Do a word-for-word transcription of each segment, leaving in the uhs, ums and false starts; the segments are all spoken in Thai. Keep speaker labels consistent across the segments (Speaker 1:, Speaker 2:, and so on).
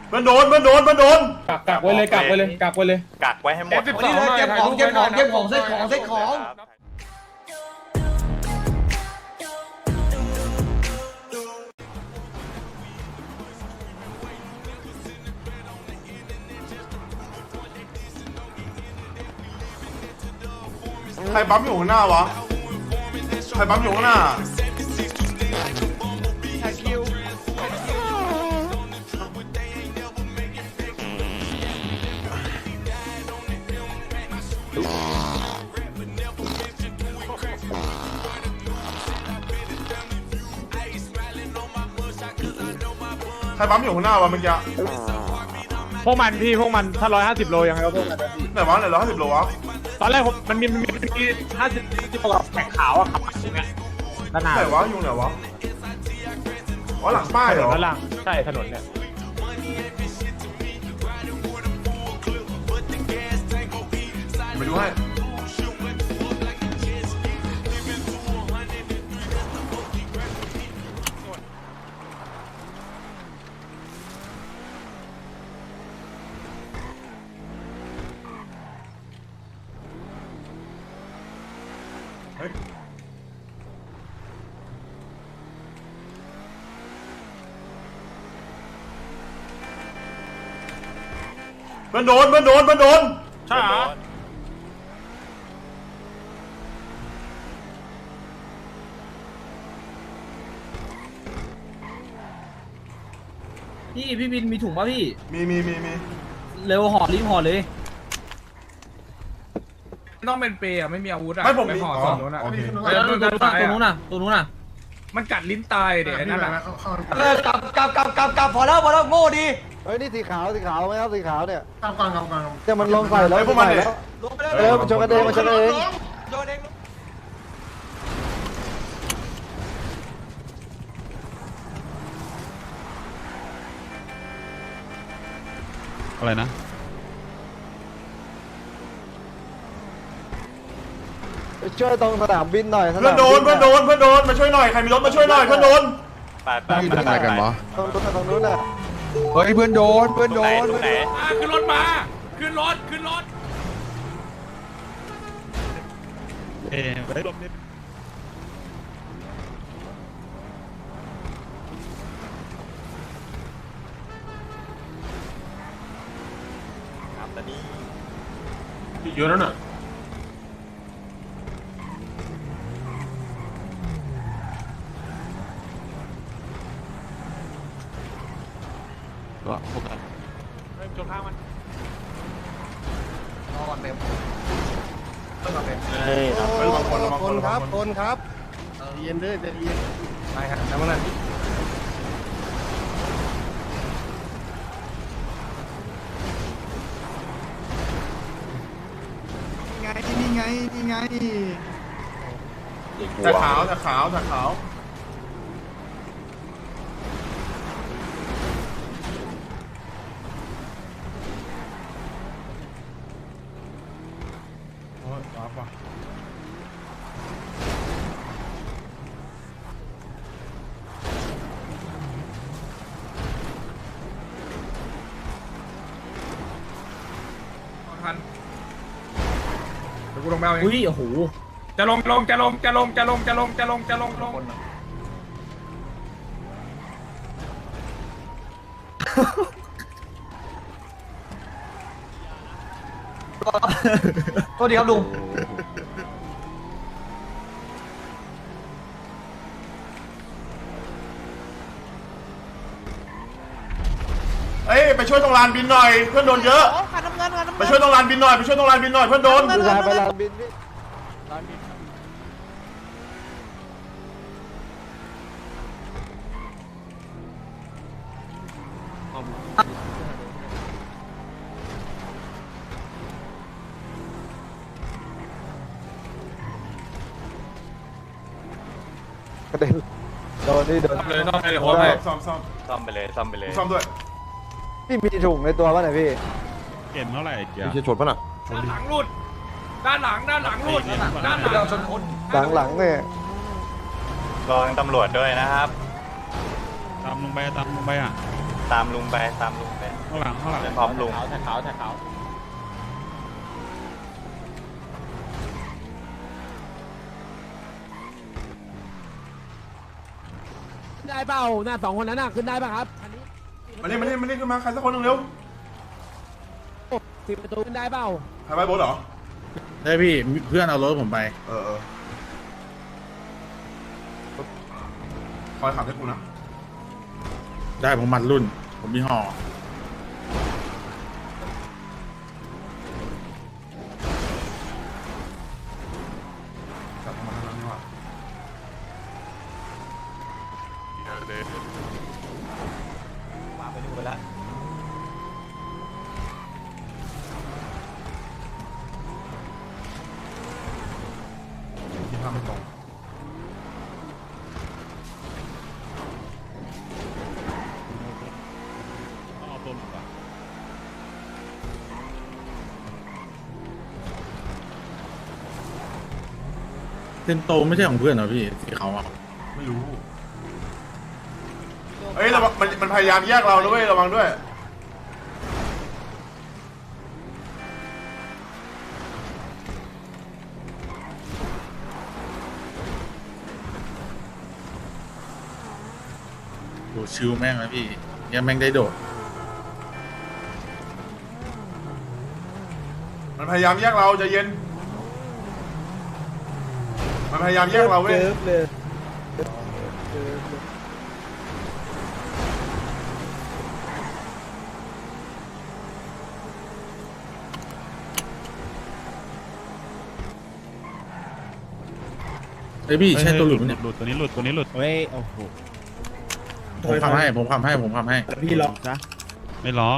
Speaker 1: เพื่อนโดนเพื่อนโดนเพื่อนโดน
Speaker 2: กักกักไว้เลยกักไว้เลยกักไว้เลย
Speaker 3: กักไว้ให้หมด
Speaker 4: เก็บของเก็บของเก็บของเซ็ตของเซ็ตของ
Speaker 1: ใครปั๊มอยู่ข้างหน้าวะใครปั๊มอยู่ข้างหน้าใครปั๊มอยู่ข้างหน้าวะเมื่อกี้
Speaker 2: พวกมันพี่พวกมันถ้าร้อยห้าสิบโลยังไงก็พวกมันพี่
Speaker 1: ไหนวะไหนร้อยห้าสิบโลวะ
Speaker 2: ตอนแรกผมมันมีมันมีมันมีห้าสิบที่ประกอบแข่งขาวอะครับอย่างเงี้ยด้านหน้า
Speaker 1: ไหนวะอยู่ไหนวะอ๋อหลังป้ายเหรอ
Speaker 2: ด้านล่างใช่ถนนเนี่ย
Speaker 1: ไปดูให้เฮ้ยเพื่อนโดนเพื่อนโดนเพื่อนโดนใช่เหรอ
Speaker 4: พี่พี่บินมีถุงป่ะพี่
Speaker 1: มีมีมีมี
Speaker 4: เร็วห่อรีบห่อเลย
Speaker 5: ต้องเป็นเปย์อะไม่มีอาวุธอะ
Speaker 1: ไม่ผมมี
Speaker 5: ห่อ
Speaker 1: อ๋
Speaker 5: ส
Speaker 1: อ
Speaker 5: องนู้นอะ
Speaker 1: โอเค
Speaker 4: ตัวนู้นน่ะตัวนู้นน่ะตัวนู้นน่ะ
Speaker 5: มันกัดลิ้นตายเด็กนั่นแหละ
Speaker 4: เออกลับกลับกลับกลับกลับพอแล้วพอแล้วโง่ดี
Speaker 6: เฮ้ยนี่สีขาวสีขาวไหมครับสีขาวเนี่ย
Speaker 1: กลางกลางกลางกลาง
Speaker 6: เนี่ยมันลงใส่แล้ว
Speaker 1: ไอ้พวกมันเนี่ย
Speaker 6: เออมันชนกันเองมันชนกันเอง
Speaker 4: โดนเอง
Speaker 7: อะไรนะ
Speaker 6: ไปช่วยตรงสนามบินหน่อย
Speaker 1: เพื่อนโดนเพื่อนโดนเพื่อนโดนมาช่วยหน่อยใครมีรถมาช่วยหน่อยเพื่อนโดน
Speaker 3: ไปไป
Speaker 7: ที่ไหนกันวะ
Speaker 6: ตรงตรงนู้นน่ะ
Speaker 7: เฮ้ยเพื่อนโดนเพื่อน
Speaker 3: ตร
Speaker 7: โด
Speaker 3: งไหน
Speaker 7: น
Speaker 3: ตรงไหน
Speaker 5: ขึ้นรถมาขึ้นรถขึ้นรถ
Speaker 7: เอ๊ะไปลมนิด
Speaker 3: ครับตอนนี้
Speaker 1: เยอะแล้วน่ะ
Speaker 7: ก็พวกกัน
Speaker 2: เริ่มชนข้างมัน
Speaker 1: เฮ้ยบางคนบางคนครับ
Speaker 6: คนครับ
Speaker 1: เย็นด้วยจะเย็น
Speaker 5: ไปครับแล้วมัน
Speaker 6: ไงนี่ไงนี่ไง
Speaker 1: แต่ขาวแต่ขาวแต่ขาวโอ้ยรับว่ะ
Speaker 5: ทันเดี๋ยวกูลงไปเอาเอง
Speaker 4: อุ้ยโอ้โห
Speaker 5: จะลงลงจะลงจะลงจะลงจะลงจะลงจะลงลง
Speaker 4: โทษดีครับลุง
Speaker 1: เอ้ยไปช่วยตรงลานบินหน่อยเพื่อนโดนเยอะไปช่วยตรงลานบินหน่อยไปช่วยตรงลานบินหน่อยเพื่อนโดน
Speaker 6: ผู้ชายไปลานบินพี่ กระเด็นโดนนี่โดน
Speaker 5: เลยต้องไปเลยโอ้
Speaker 1: ซ่
Speaker 5: ย
Speaker 1: อมซ่อมซ่อม
Speaker 3: ซ่อมไปเลยซ่อมไปเลย
Speaker 1: ซ่อมด้วย
Speaker 6: พี่มีถุงในตัวป่ะเนี่ยพี่
Speaker 7: เก็บเท่าไหร่เกียร์
Speaker 1: จะชนป่ะน่ะ
Speaker 5: ด้านหลังหลุดด้านหลังด้านหลังหลุดด้านหลังชนคน
Speaker 6: หลังหลังๆเนี่ย
Speaker 3: รองตำรวจด้วยนะครับ
Speaker 7: ตามลงไปตามลงไปอ่ะ
Speaker 3: ตามลุงไปตามลุงไป
Speaker 7: ข้างหลังข้างหลัง
Speaker 3: เดี๋ยวพร้อมลุง
Speaker 2: แท็กขาวแท็กขาว
Speaker 8: ได้เปล่าหน้าสองคนนั้นน่ะขึ้นได้ป่ะครับ
Speaker 1: มาเล่นมาเล่นมาเล่นขึ้นมาใครสักคนหนึ่งเร็ว
Speaker 8: สิบประตูขึ้นได้เปล่า
Speaker 1: ใครไปโบสเหรอ
Speaker 7: ได้พี่เพื่อนเอารถผมไป
Speaker 1: เออเออคอยขับให้กูนะ
Speaker 7: ได้ผมมัดรุ่น ผมมีห่อ
Speaker 1: กลับมาทางนั้นดีกว่า
Speaker 3: มาไปดูไปแล้ว
Speaker 1: ที่ภาพไม่ตรง
Speaker 7: เอาตัวหลุดก่อน เซนโตไม่ใช่ของเพื่อนเหรอพี่สีเขาอ่ะ
Speaker 1: ไม่รู้เอ้ยระวังมันมันพยายามแยกเราด้วยระวังด้วย
Speaker 7: โหชิวแม่งนะพี่ยังแม่งได้โดด
Speaker 1: มันพยายามแยกเราใจเย็น มันพยายามแยกเราเว้ย
Speaker 7: เฮ้ยพี่ใช่ตัวหลุดไหมเนี่ย
Speaker 9: หลุดตัวนี้หลุดตัวนี้หลุด
Speaker 8: เฮ้ยโอ้โห
Speaker 7: ผมทำให้ผมทำให้ผมทำให้
Speaker 8: พี่ล็อก
Speaker 9: ซะไม่ล็อก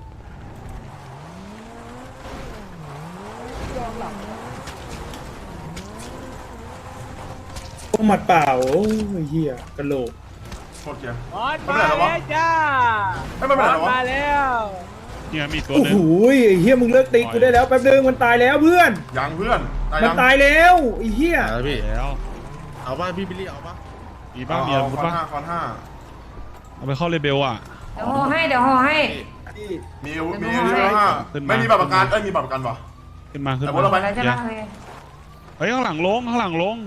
Speaker 2: หมัดเปล่าโอ้ยเหี้ยกระโหลก
Speaker 1: โคตรเกียร์
Speaker 8: บอลมาแล้วจ้า
Speaker 1: ไม่เป็นไรหรอวะ
Speaker 8: มาแล้ว
Speaker 9: เนี่ยมีตัว
Speaker 2: โอ้
Speaker 9: หนึง
Speaker 2: โหไอ้เหี้ยมึงเลิกตีกูได้แล้วแป๊บนึงมันตายแล้วเพื่อน
Speaker 1: ยังเพื่อนตาย
Speaker 2: มัน
Speaker 1: ยัง
Speaker 2: ตายแล้วไอ้เหี้ย
Speaker 7: แล้วพี่
Speaker 9: แล้ว
Speaker 7: เอาป่ะพี่บิลลี่เอาป่ะ
Speaker 9: มีบ้างมี
Speaker 1: เอา
Speaker 9: อาวุธ
Speaker 1: คอน
Speaker 9: บ้าง
Speaker 1: ห้าคอนห้า
Speaker 9: เอาไปเข้าเลเบลอ่ะ
Speaker 10: เดี๋ยวห่อให้เดี๋ยวห่อให้
Speaker 1: มีอาวุธมีอาวุธคอนห้า
Speaker 9: ขึ้นมา
Speaker 1: ไม่มีบัตรประกันเอ้ยมีบัตรประกันป่ะ
Speaker 9: ขึ้นมาขึ้น
Speaker 1: แต่
Speaker 9: มา
Speaker 1: ว่าเราไป
Speaker 10: อะไรใช่ไหมโอเค
Speaker 9: เฮ้ยข้างหลังลงข้างหลังลง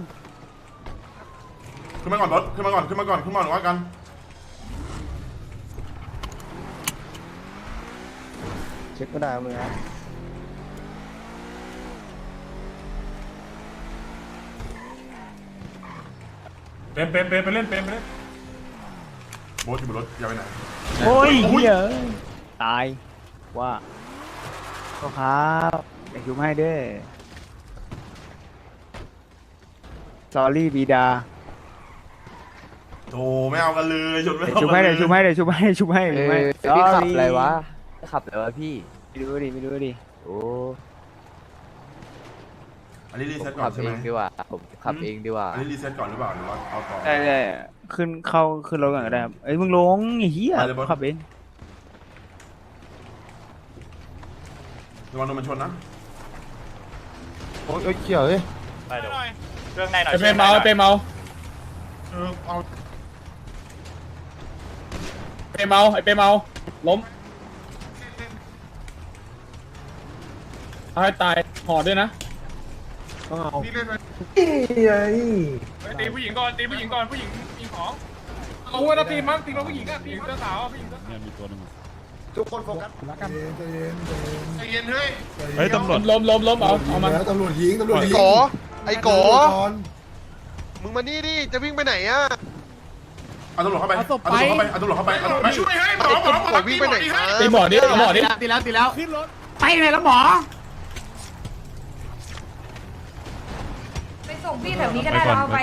Speaker 1: ขึ้นมาก่อนรถขึ้นมาก่อนขึ้นมาก่อนขึ้นมาก่อนว่ากัน
Speaker 6: เช็คก็ได้มึงนะ
Speaker 5: เป็นเป็นเป็นไปเล่นเป็นไปเล่น
Speaker 1: โบ๊ทอยู่บนรถอย่าไปไหน
Speaker 8: โอ้ย
Speaker 1: อุ้ย
Speaker 8: เหี้ยตายว่าก็ครับเดี๋ยวชุบให้เด้อสอรี่บีดา
Speaker 1: โธ่ไม่เอากันเลยชนไม่
Speaker 8: เดี๋ยว
Speaker 1: เอา
Speaker 8: ชุบ
Speaker 1: กั
Speaker 8: ให้
Speaker 1: นเล
Speaker 8: เดี๋ย
Speaker 1: ยว
Speaker 8: ชุบให้เดี๋ยวชุบให้ชุบให้ชุบให้
Speaker 6: พี่ขับ
Speaker 8: Sorry
Speaker 6: อะไรวะขับอะไรวะพี่
Speaker 8: ไม่รู้ดิไม่รู้ดิ
Speaker 6: โอ้
Speaker 1: อันนี้รี
Speaker 6: ผม
Speaker 1: เซ็ตก่อ
Speaker 6: ขั
Speaker 1: น
Speaker 6: บ
Speaker 1: ใช่
Speaker 6: เอ
Speaker 1: ไหม
Speaker 6: งดีกว่าผมขับเองดีกว่า
Speaker 1: อันนี้รีเซ็ตก่อนหรือเปล่าหรือว่าเอาต่อ
Speaker 8: ได้ได้ขึ้นเข้าขึ้นรถก่อนก็ได้ครับเอ้ยมึงลงไอ้เหี้ย
Speaker 1: ไปเลยบอส
Speaker 8: ขับเอง
Speaker 1: ระวังโดนมันชนนะ
Speaker 6: โอ้ยเขียวเฮ้ย
Speaker 3: ไปเดี๋ยวเครื่องในหน่อย
Speaker 2: ไอ้เปเมาไอ้เปเมา
Speaker 1: เออเอา
Speaker 2: เปเมาไอ้เปเมาล้มเอาให้ตายห่อด้วยนะต้องเอา
Speaker 5: ตีผู้หญิงก่อนตีผู้หญิงก่อนผู้หญิงมีของเอาวัวเราตีมั้งตีเราผู้หญิงอะตีเสื้อขาวอะผู้หญิงเสื้อ
Speaker 9: เนี่ยมีตัวหนึงอะ
Speaker 6: ทุกคนโฟกัส
Speaker 1: ใจเย็นเฮ้ย
Speaker 9: เฮ้ยตำรวจ
Speaker 2: ล้มล้มล้มเอาเอามัน
Speaker 6: ตำรวจยิงตำรวจยิง
Speaker 11: โกไอ้โกมึงมานี่ดิจะวิ่งไปไหนอ่ะ
Speaker 1: เอาตำรวจเข้าไปเอาตำรวจเข้าไปเอาตำรวจเข้าไปเอาตำรวจไม่ช่วยให้หมอหมอหมอ
Speaker 11: โกวิ่งไปไหนมา
Speaker 2: ตีหมอดิตีหมอดิ
Speaker 8: ตีแล้วตีแล้วขึ้นรถไปไหนแล้วหมอ
Speaker 10: ไปส่งพี่แถวนี้ก็ได้แล้วเอาไป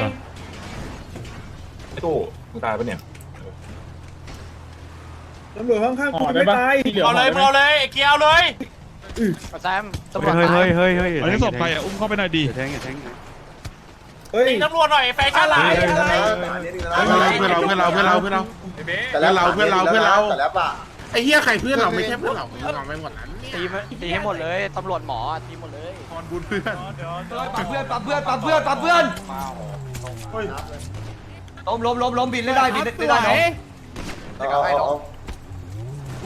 Speaker 2: ตู้ตายปะเนี่ยตำรวจข้างๆกูไม่ตาย
Speaker 3: เอาเลยเอาเลยไอ้เกียวเลย
Speaker 8: แซมตำรวจเฮ้ยเฮ้ยเฮ้ย
Speaker 9: อันนี้ศพใครอ่ะอุ้มเข้าไปหน่อยดิ
Speaker 8: แทงแทง
Speaker 2: เฮ้ย
Speaker 3: ตีตำรวจหน่อยแฟชั่นไลน์
Speaker 7: เพื่อนเราเพื่อนเราเพื่อนเราเพื่อนเรา
Speaker 5: ไอ้เบ๊
Speaker 7: เพื่อนเราเพื่อนเราเพื่อนเรา
Speaker 6: แต่แล้วป่ะ
Speaker 7: ไอ้เหี้ยใครเพื่อนเราไม่ใช่เพื่อนเรามึงเอาไปหมดนั้นเนี่ย
Speaker 8: ตีตีให้หมดเลยตำรวจหมอตีหมดเลย
Speaker 7: นอนบุญเพื่อน
Speaker 4: ปับเพื่อนปับเพื่อนปับเพื่อนปับเพื่อน
Speaker 1: เฮ้ย
Speaker 4: ล้มล้มล้มล้มบินไม่ได้บินไม่ได้เนาะ
Speaker 6: เอาเอาเอา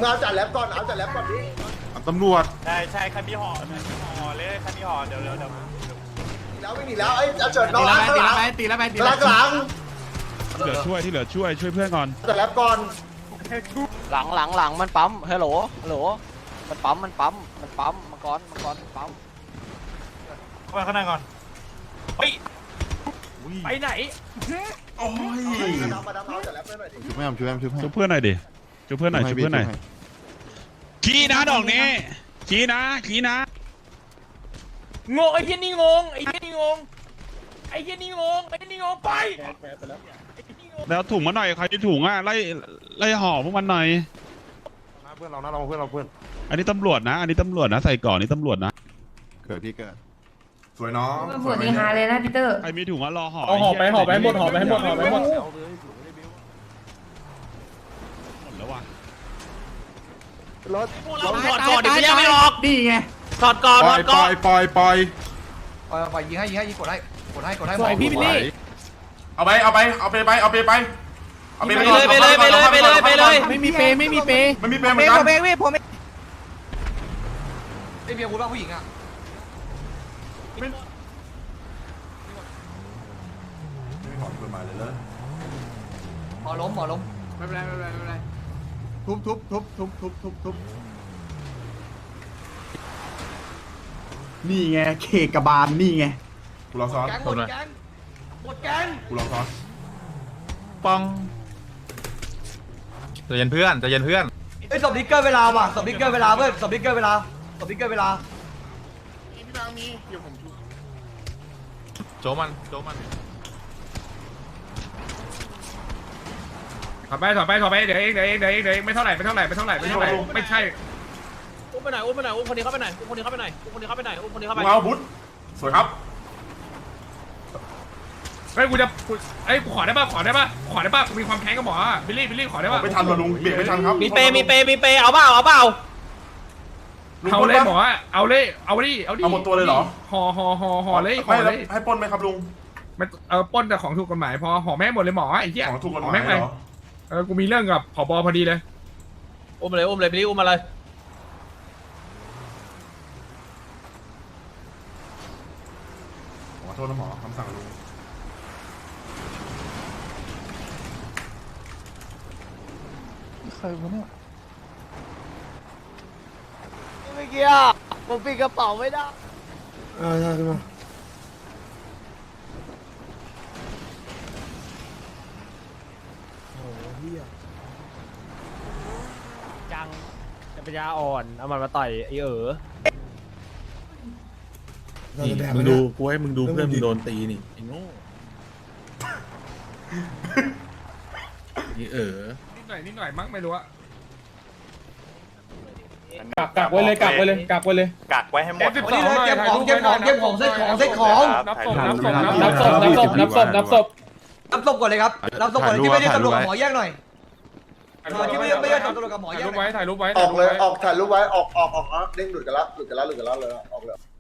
Speaker 6: มึงเอาจัดแล็บก่อนเอาจัดแล็บก่อนดิ
Speaker 7: ตำรวจ
Speaker 3: ใช่ใช่คันพี่ห่อห่อเลยคันพี่ห่อเดี๋ยวเดี๋ยวเดี๋ยว
Speaker 6: แล้วไม่หนีแล้วไอ้เอาเฉิดน้อง
Speaker 4: ตี
Speaker 6: ล้าง
Speaker 4: แล้ว
Speaker 6: ข้างห
Speaker 4: ไป
Speaker 6: ลัง
Speaker 4: ตีแล้วไปตี
Speaker 6: ห
Speaker 4: แล้
Speaker 6: ลั
Speaker 4: ว
Speaker 6: ง
Speaker 4: ไป
Speaker 6: หลัง
Speaker 9: ที่เหลือช่วยที่เหลือช่วยช่วยเพื่อนก่อน
Speaker 6: จัดแล็บก่อน
Speaker 8: หลังหลังหลังมันปั๊มฮัลโหลฮัลโหลมันปั๊มมันปั๊มมันปั๊มมังกรมังกรปั๊ม
Speaker 3: เข้าไปข้างในก่อนเฮ้ยไปไหน
Speaker 1: โอ้ย
Speaker 6: มาดามมาดามเอาจัดแล็บไปหน่อยดิ
Speaker 1: ช่วยแม่ช่วยแม่ช่วยแม่
Speaker 9: ช่วยเพื่อนหน่อยดิช่วยเพื่อนหน่อยช่วยเพื่อนหน่อยชี้นะดอกนี้ชี้นะชี้นะ
Speaker 3: งงไอ้เหี้ยนี่งงไอ้เหี้ยนี่งงไอ้เหี้ยนี่งงไอ้เหี้ยนี่งงไป
Speaker 9: แล้วถุงมาหน่อยใครที่ถุงอ่ะไล่ไล่ห่อพวกมันหน่อย
Speaker 6: เพื่อนเรานะเราเพื่อนเราเพื่อน
Speaker 9: อันนี้ตำรวจนะ อันนี้ตำรวจนะใส่ก่อนนี่ตำรวจนะ
Speaker 6: เกิดพี่เกิด
Speaker 1: สวยน้อง
Speaker 10: ตำรวจนี่ฮาเลยนะพีเตอร์
Speaker 9: ใครมีถุงอ่ะรอห่อ
Speaker 5: เอาห่อไปห่อไปหมดห่อไปหมดห่อไปหมด
Speaker 9: หมดแล้วว่ะ
Speaker 6: รถ
Speaker 3: เราถอดก่อนเดี๋ยวไม่ยังไม่ออก
Speaker 4: ดีไง
Speaker 3: ถอดก่อน
Speaker 7: ป
Speaker 3: ถ
Speaker 7: ล่
Speaker 3: อ
Speaker 7: อย
Speaker 3: ด
Speaker 7: ป
Speaker 3: ก่
Speaker 7: ล่
Speaker 3: อ
Speaker 7: อน ยปล่อยปล่อย
Speaker 4: ปล่อยปล่อยยิงให้ยิงให้ยิงกดให้กดให้กดให้
Speaker 5: สวยพี่บิลลี่
Speaker 1: เอาไปเอาไปเอาไปไปเอาไปไปเอาไป
Speaker 3: ไปเลยไปเลยไปเลยไปเลยไปเลย
Speaker 5: ไม่มีเปย์ไม่มีเปย์
Speaker 1: ไม่มีเปรย์เหมือนกัน
Speaker 4: ผมเองพี่ผมเองไอ้เมียกูบ้าผู้หญิงอ่ะ
Speaker 1: ไม่ถอนเปิดมาเลยเลย
Speaker 4: หมอล้มหมอล้ม
Speaker 5: ไม่เป็นไรไม่เป็นไรไม่เป็นไรทุบทุบทุบทุบทุบทุบทุบนี่ไงเคกบาลนี่ไง
Speaker 1: กูรอซ้อน
Speaker 4: แก๊งหมดแก๊งหมดแก๊ง
Speaker 1: กูรอซ้อน
Speaker 3: ปองใจเย็นเพื่อนใจเย็นเพื่อน
Speaker 4: ไอ้สอบดิกเกอร์เวลาว่ะสอบดิกเกอร์เวลาเพื่อนสอบดิกเกอร์เวลาสอบดิกเกอร์เวลา
Speaker 3: โจมันโจมัน
Speaker 5: ถอดไปถอดไปถอดไปเดี๋ยวเองเดี๋ยวเองเดี๋ยวเองเดี๋ยวเองไม่เท่าไหร่ไม่เท่าไหร่ไม่เท่าไหร่ไม่เท่าไหร่ไม่ใช่
Speaker 3: อุ้มไปไหนอุ้มไปไหนอุ้มคนนี้เข้าไปไหนอุ้มคนนี้เข้าไปไหนอุ้มคนนี้เข้าไปไหนอุ้มคนนี้เข้าไป
Speaker 1: กูเอาบุ๊ทสวยครับ
Speaker 5: เฮ้ยกูจะกูเอ้ยกูขอได้ป่ะขอได้ป่ะขอได้ป่ะกูมีความแค้นกับหมออะบิลลี่บิลลี่ขอได้ป่ะ
Speaker 1: ไม่ทันว่ะลุงเบรกไม่ทันครับ
Speaker 3: มีเปย์มีเปย์มีเปย์เอาเปล่าเอาเปล่า
Speaker 5: เอาเลยหมออะเอาเลยเอาดิเอาดิ
Speaker 1: เอาหมดตัวเลยเหรอ
Speaker 5: ห่อห่อห่อห่อเลยห่
Speaker 1: ไม่
Speaker 5: อ
Speaker 1: แล้
Speaker 5: เล
Speaker 1: วย ให้ปล้นไหมครับลุง
Speaker 5: ไม่เออปล้นแต่ของถูกกฎหมายพอห่อแม่งหมดเลยหมอไอ้เหี้ย
Speaker 1: ของถูกกฎห
Speaker 5: ห่อ
Speaker 1: มาย
Speaker 5: แม่ง
Speaker 1: เห
Speaker 5: เล
Speaker 1: ร
Speaker 5: ย
Speaker 1: อ
Speaker 5: เออกูมีเรื่องกับผบพอดีเลย
Speaker 3: อุ้มเลยอุ้มเลยพี่อุ้มมาเลย
Speaker 1: ขอโทษนะหมอคำสั่งลุง
Speaker 8: เมื่อกี้ผมปิดกระเป๋าไม่ได้
Speaker 6: อ่าใช่ไหม
Speaker 2: จังจะปัญญาอ่อนเอามันมาต่อยไอ้เอ๋อ
Speaker 7: นี่มึงดูกูให้มึงดูเพื่อนมึงโดนตีนี่ไอ้โง่นี่เออ
Speaker 5: นิดหน่อยนิดหน่อยมั้งไม่รู้อะกักกักไว้เลยกักไว้เลยกักไว้เลย
Speaker 3: กักไว้ให้หมด
Speaker 5: เก็บของ
Speaker 4: เก็บของเก็บของเก็บของเซ็ตของเซ็ตของ
Speaker 5: นับศพนับศพนับศพนับศพนับศพนับศพ
Speaker 4: รับศพก่อนเลยครับรับศพก่อนที่ไม่ได้ตำรวจกับหมอแยกหน่อยที่ไม่ได้ไม่ได้ตำรวจกับหมอ
Speaker 5: ถ่าย
Speaker 4: แยก
Speaker 5: รูปไว้ถ่ายรูปไว้
Speaker 6: ออกเลยออกถ่ายรูปไว้ออกออกออกเด้งหลุดกันละหลุดกันละหลุดกันละเลยออกเลย